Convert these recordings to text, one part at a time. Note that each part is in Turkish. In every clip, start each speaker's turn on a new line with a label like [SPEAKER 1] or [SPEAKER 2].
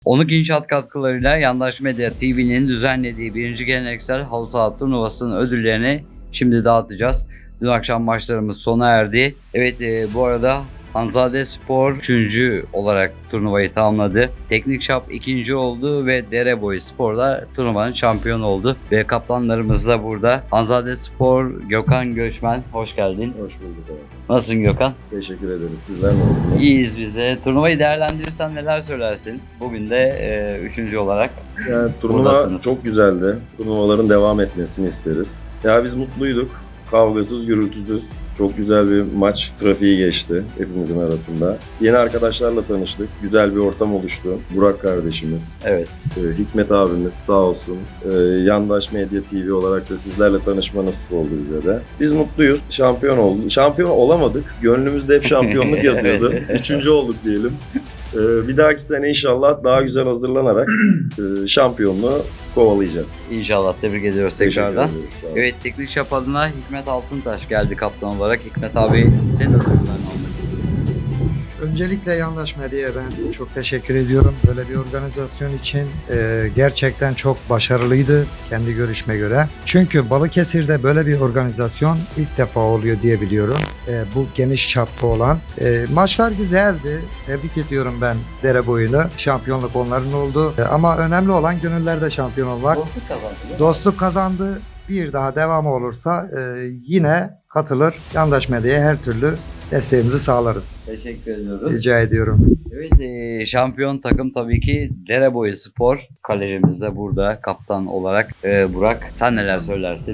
[SPEAKER 1] Onuk İnşaat katkılarıyla Yandaş Medya TV'nin düzenlediği 1. Geleneksel Halı Saha Turnuvası'nın ödüllerini şimdi dağıtacağız. Dün akşam maçlarımız sona erdi. Evet, bu arada Hanzade Spor 3. olarak turnuvayı tamamladı. Teknik Şap 2. oldu ve Dereboyu Spor da turnuvanın şampiyonu oldu. Ve kaptanlarımız da burada. Hanzade Spor Gökhan Göçmen, hoş geldin.
[SPEAKER 2] Hoş bulduk abi.
[SPEAKER 1] Nasılsın Gökhan?
[SPEAKER 2] Teşekkür ederiz. Sizler nasılsınız?
[SPEAKER 1] İyiyiz biz de. Turnuvayı değerlendirirsen neler söylersin? Bugün de 3. olarak
[SPEAKER 2] Yani turnuva
[SPEAKER 1] buradasınız.
[SPEAKER 2] çok güzeldi. Turnuvaların devam etmesini isteriz. Ya biz mutluyduk. Kavgasız, gürültüsüz. Çok güzel bir maç trafiği geçti hepimizin arasında. Yeni arkadaşlarla tanıştık. Güzel bir ortam oluştu. Burak kardeşimiz,
[SPEAKER 1] Evet.
[SPEAKER 2] Hikmet abimiz sağ olsun. Yandaş Medya TV olarak da sizlerle tanışma nasip oldu bize de. Biz mutluyuz. Şampiyon olduk. Şampiyon olamadık. Gönlümüzde hep şampiyonluk yatıyordu.
[SPEAKER 1] Evet.
[SPEAKER 2] 3. olduk diyelim. Bir dahaki sene inşallah daha güzel hazırlanarak şampiyonluğu kovalayacağız.
[SPEAKER 1] İnşallah. Tebrik ediyoruz
[SPEAKER 2] Teşekkür
[SPEAKER 1] tekrardan.
[SPEAKER 2] ederiz. Sağ olun.
[SPEAKER 1] Evet, Teknik Şap adına Hikmet Altıntaş geldi kaptan olarak. Hikmet abi, senin de duygularını almak istiyorum.
[SPEAKER 3] Öncelikle Yandaş Medya'ya ben çok teşekkür ediyorum. Böyle bir organizasyon için gerçekten çok başarılıydı kendi görüşme göre. Çünkü Balıkesir'de böyle bir organizasyon ilk defa oluyor diye biliyorum. Bu geniş çapta olan. Maçlar güzeldi. Tebrik ediyorum ben Dereboyu'nu. Şampiyonluk onların oldu. Ama önemli olan gönüllerde şampiyon olmak.
[SPEAKER 1] Dostluk kazandı.
[SPEAKER 3] Dostluk kazandı. Bir daha devamı olursa yine katılır. Yandaş Medya'ya her türlü desteğimizi sağlarız.
[SPEAKER 1] Teşekkür ediyoruz.
[SPEAKER 3] Rica ediyorum.
[SPEAKER 1] Evet, şampiyon takım tabii ki Dereboyu Spor. Kalecimiz de burada kaptan olarak Burak. Sen neler söylersin?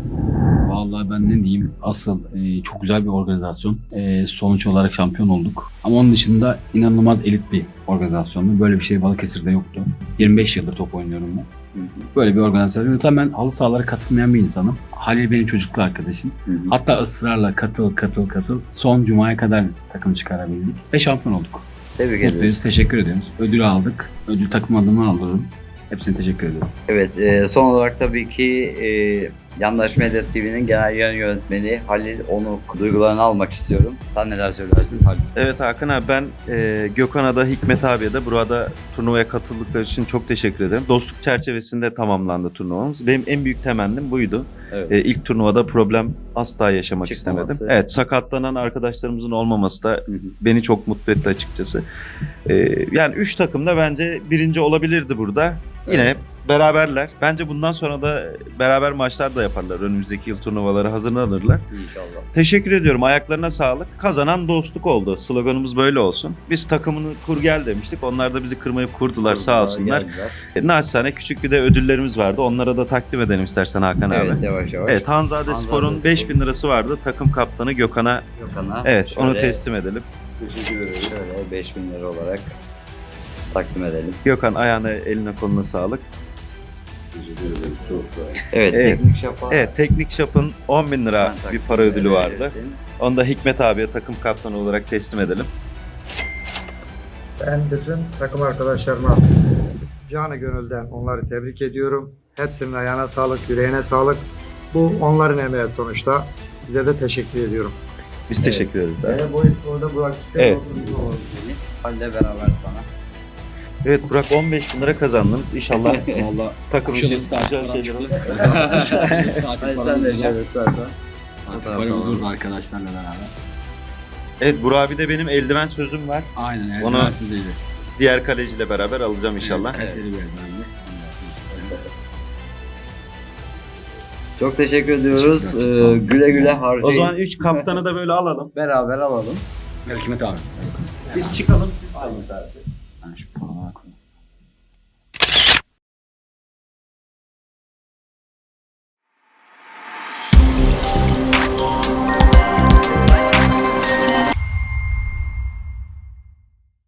[SPEAKER 4] Vallahi ben ne diyeyim, asıl çok güzel bir organizasyon. Sonuç olarak şampiyon olduk. Ama onun dışında inanılmaz elit bir organizasyondu. Böyle bir şey Balıkesir'de yoktu. 25 yıldır top oynuyorum ben. Böyle bir organizasyon. Zaten ben halı sahalara katılmayan bir insanım. Halil benim çocukluk arkadaşım. Hatta ısrarla katıl. Son cumaya kadar takım çıkarabildik. Ve şampiyon olduk.
[SPEAKER 1] Tebrik ediyoruz.
[SPEAKER 4] Mutluyuz, teşekkür ediyoruz. Ödülü aldık. Ödül takım adına alırım. Hepsine teşekkür ederim.
[SPEAKER 1] Evet, son olarak tabii ki Yandaş Medya TV'nin genel yayın yönetmeni Halil Onuk duygularını almak istiyorum. Sen neler söylersin Halil?
[SPEAKER 5] Evet Hakan abi, ben Gökhan'a da Hikmet abiye de burada turnuvaya katıldıkları için çok teşekkür ederim. Dostluk çerçevesinde tamamlandı turnuvamız. Benim en büyük temennim buydu.
[SPEAKER 1] Evet.
[SPEAKER 5] İlk turnuvada problem asla yaşamak
[SPEAKER 1] Çıkmaması.
[SPEAKER 5] istemedim. Evet, sakatlanan arkadaşlarımızın olmaması da beni çok mutlu etti açıkçası. Yani 3 takım da bence birinci olabilirdi burada. Yine
[SPEAKER 1] Evet.
[SPEAKER 5] beraberler. Bence bundan sonra da beraber maçlar da yaparlar. Önümüzdeki yıl turnuvalara hazırlanırlar.
[SPEAKER 1] İnşallah.
[SPEAKER 5] Teşekkür ediyorum. Ayaklarına sağlık. Kazanan dostluk oldu. Sloganımız böyle olsun. Biz takımını kur gel demiştik. Onlar da bizi kırmayıp kurdular, sağ olsunlar.
[SPEAKER 1] Geldiler.
[SPEAKER 5] Naçizane küçük bir de ödüllerimiz vardı. Onlara da takdim edelim istersen Hakan
[SPEAKER 1] Evet,
[SPEAKER 5] abi.
[SPEAKER 1] yavaş yavaş.
[SPEAKER 5] Evet, Hanzade
[SPEAKER 1] Hanzade
[SPEAKER 5] Spor'un
[SPEAKER 1] Spor.
[SPEAKER 5] 5000 lirası vardı. Takım kaptanı Gökhan'a.
[SPEAKER 1] Gökhan'a
[SPEAKER 5] Evet, onu
[SPEAKER 1] şöyle-
[SPEAKER 5] teslim edelim.
[SPEAKER 2] Teşekkür ederiz.
[SPEAKER 1] Şöyle 5.000 lira olarak takdim edelim.
[SPEAKER 5] Gökhan, ayağına, eline, koluna sağlık.
[SPEAKER 2] Teşekkür ederiz. Çok sağ olun.
[SPEAKER 1] Evet,
[SPEAKER 5] Evet.
[SPEAKER 1] Teknik Şap'a
[SPEAKER 5] Evet, Teknik Şap'ın 10.000 lira
[SPEAKER 1] sen
[SPEAKER 5] bir
[SPEAKER 1] takdim
[SPEAKER 5] para ödülü vardı.
[SPEAKER 1] edersin.
[SPEAKER 5] Onu da Hikmet abiye takım kaptanı olarak teslim edelim.
[SPEAKER 3] Ben bütün takım arkadaşlarıma canı gönülden onları tebrik ediyorum. Hepsinin ayağına sağlık, yüreğine sağlık. Bu onların emeği sonuçta. Size de teşekkür ediyorum.
[SPEAKER 5] Biz teşekkür ederiz abi.
[SPEAKER 3] Dereboyu Spor'da Burak
[SPEAKER 5] Evet.
[SPEAKER 1] Halil'le beraber sana.
[SPEAKER 5] Evet Burak, 15.000 lira kazandın. İnşallah
[SPEAKER 4] Vallahi
[SPEAKER 5] takım için
[SPEAKER 4] Kuşadası tatil
[SPEAKER 5] güzel
[SPEAKER 4] falan
[SPEAKER 5] şeyler olur.
[SPEAKER 1] Hayır, sen de evet zaten.
[SPEAKER 4] Böyle olurdu arkadaşlarla beraber.
[SPEAKER 5] Evet, Burak abi de benim eldiven sözüm var.
[SPEAKER 4] Aynen, yani
[SPEAKER 5] Onu-
[SPEAKER 4] sizdeydi.
[SPEAKER 5] Diğer kaleciyle beraber alacağım inşallah.
[SPEAKER 4] Evet, kaliteli bir eldivenli.
[SPEAKER 1] Çok teşekkür ediyoruz.
[SPEAKER 4] Teşekkür ederim. Sağ olun.
[SPEAKER 1] Güle güle harcayın.
[SPEAKER 5] O zaman 3 kaptanı da böyle alalım.
[SPEAKER 1] beraber alalım.
[SPEAKER 4] Hikmet abi.
[SPEAKER 5] Biz çıkalım.
[SPEAKER 1] Aynı tarafı.
[SPEAKER 4] Yani şu-